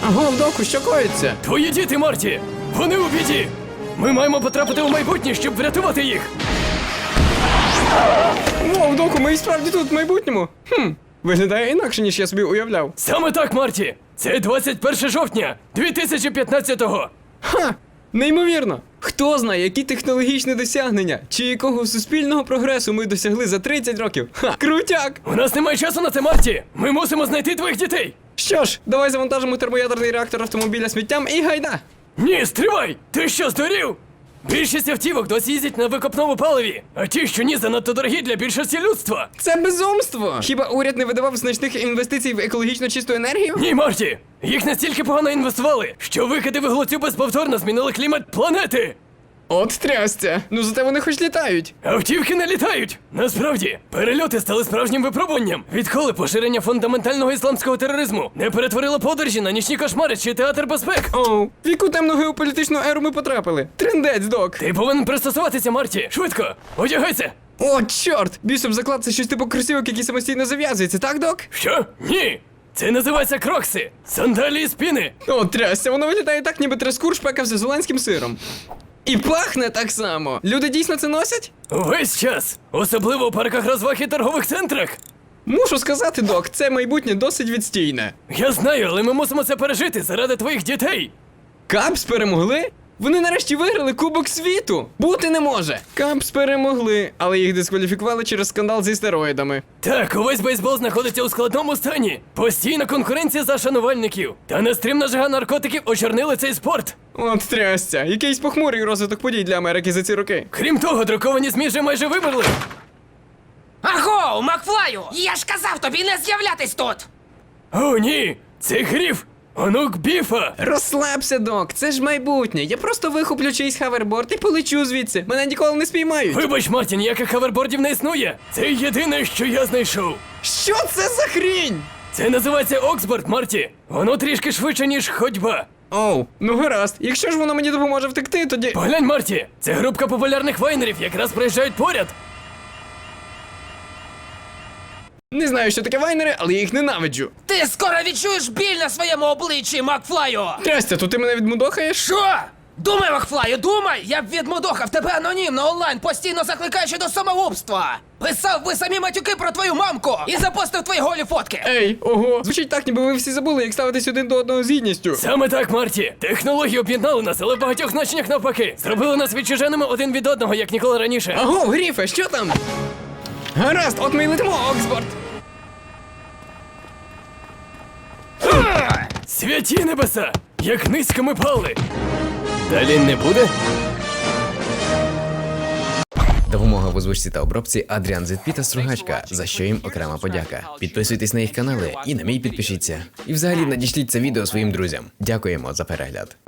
Агов, доку, що коїться? Твої діти, Марті! Вони у біді! Ми маємо потрапити у майбутнє, щоб врятувати їх! Вов, доку, ми і справді тут в майбутньому. Виглядає інакше, ніж я собі уявляв. Саме так, Марті! Це 21 жовтня 2015-го! Ха! Неймовірно! Хто знає, які технологічні досягнення, чи якого суспільного прогресу ми досягли за 30 років. Ха! Крутяк! У нас немає часу на це, Марті! Ми мусимо знайти твоїх дітей! Що ж, давай завантажимо термоядерний реактор автомобіля сміттям і гайда! Ні, стривай! Ти що, здурів? Більшість автівок досі їздять на викопному паливі, а ті, що ні, занадто дорогі для більшості людства. Це безумство! Хіба уряд не видавав значних інвестицій в екологічно чисту енергію? Ні, Марті! Їх настільки погано інвестували, що викиди вуглецю безповторно змінили клімат планети! От трясця! Ну зате вони хоч літають! Автівки не літають! Насправді, перельоти стали справжнім випробуванням. Відколи поширення фундаментального ісламського тероризму не перетворило подорожі на нічні кошмари чи театр безпек. Оу, в яку темну геополітичну еру ми потрапили? Трендець, док! Ти повинен пристосуватися, Марті! Швидко! Одягайся! О, чорт! Бісом заклад це щось типу кросівок, які самостійно зав'язуються, так, док? Що? Ні! Це називається крокси! Сандалії з піни! О, трясся, воно виглядає так, ніби трескур шпекався з голландським сиром. І пахне так само. Люди дійсно це носять? Увесь час! Особливо у парках розваг і торгових центрах! Мушу сказати, док, це майбутнє досить відстійне. Я знаю, але ми мусимо це пережити заради твоїх дітей! Капс перемогли? Вони нарешті виграли Кубок світу! Бути не може! Капс перемогли, але їх дискваліфікували через скандал зі стероїдами. Так, увесь бейсбол знаходиться у складному стані. Постійна конкуренція за шанувальників. Та нестримна жага наркотиків очорнили цей спорт. От трясця, якийсь похмурий розвиток подій для Америки за ці роки. Крім того, друковані ЗМІ вже майже вимерли. Аго, Макфлаю! Я ж казав тобі не з'являтись тут! О, ні! Це Гріф! Онук Біфа! Розслабся, док, це ж майбутнє. Я просто вихоплю чийсь хаверборд і полечу звідси. Мене ніколи не спіймають. Вибач, Марті, ніяких хавербордів не існує. Це єдине, що я знайшов. Що це за хрінь? Це називається Оксборд, Марті. Воно трішки швидше, ніж ходьба. Оу, ну гаразд. Якщо ж воно мені допоможе втекти, тоді. Поглянь, Марті, це групка популярних вайнерів якраз проїжджають поряд. Не знаю, що таке вайнери, але я їх ненавиджу. Ти скоро відчуєш біль на своєму обличчі, Макфлаю! Трясця, то ти мене відмудохаєш? Що? Думай, Макфлаю, думай! Я б відмудохав тебе анонімно онлайн, постійно закликаючи до самогубства! Писав би самі матюки про твою мамку і запостив твої голі фотки! Ей, ого, звучить так, ніби ви всі забули, як ставитись один до одного з гідністю. Саме так, Марті. Технології об'єднали нас, але в багатьох значеннях навпаки. Зробили нас відчуженими один від одного, як ніколи раніше. Аго, Гріфе, що там? Гаразд, от ми й летимо, Оксфорд. Святі небеса! Як низько ми пали! Далі не буде? Допомога в озвучці та обробці Адріан Зетпі та Стругачка, за що їм окрема подяка. Підписуйтесь на їх канали і на мій підпишіться. І взагалі надішліть це відео своїм друзям. Дякуємо за перегляд.